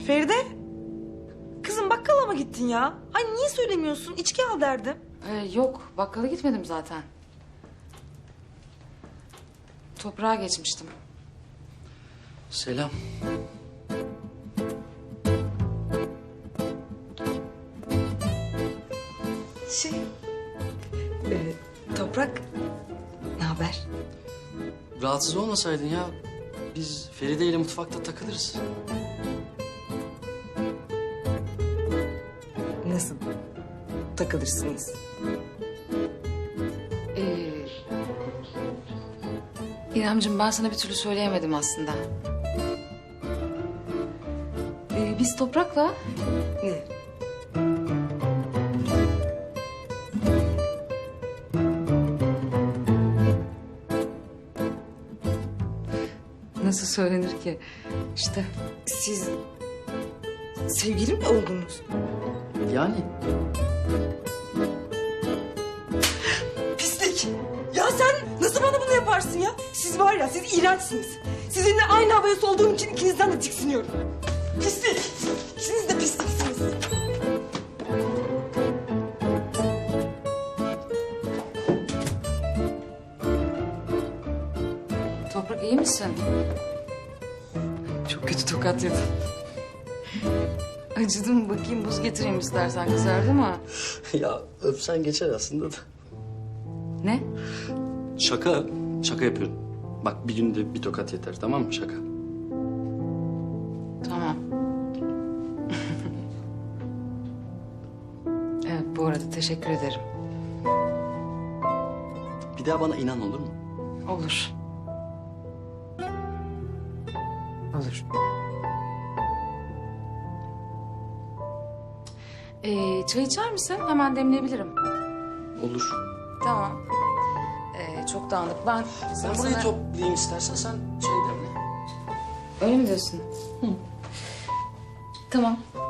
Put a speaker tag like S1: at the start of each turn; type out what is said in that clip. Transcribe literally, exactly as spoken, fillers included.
S1: Feride. Kızım bakkala mı gittin ya? Ay niye söylemiyorsun? İçki al derdim.
S2: Ee, yok, bakkala gitmedim zaten. Toprağa geçmiştim.
S3: Selam.
S1: Şey... E, Toprak... Ne haber?
S3: Rahatsız olmasaydın ya. Biz Feride ile mutfakta takılırız.
S1: Nasıl? Takılırsınız.
S2: Ee, İremciğim, ben sana bir türlü söyleyemedim aslında. Ee, biz Toprak'la
S1: Ne?
S2: nasıl söylenir ki? İşte
S1: Siz... Sevgili mi oldunuz?
S3: Yani
S1: Pislik! Ya sen nasıl bana bunu yaparsın ya? Siz var ya, siz iğrençsiniz. Sizinle aynı havaya solduğum için ikinizden de tiksiniyorum. Pislik! İkiniz de pisliksiniz.
S2: Toprak, iyi misin? Çok kötü tokat yedin. Acıdı mı? Bakayım, buz getireyim istersen, kızardı mı?
S3: ya öpsen geçer aslında da.
S2: Ne?
S3: Şaka, şaka yapıyorum. Bak bir günde bir tokat yeter, tamam mı? Şaka.
S2: Tamam. Evet, bu arada teşekkür ederim.
S3: Bir daha bana inan, olur mu?
S2: Olur. Olur. Ee, çay içer misin? Hemen demleyebilirim.
S3: Olur.
S2: Tamam. Ee, çok dağınık. Ben,
S3: Ben burayı toplayayım istersen, sen şey demle.
S2: Öyle mi diyorsun? Hı. Tamam.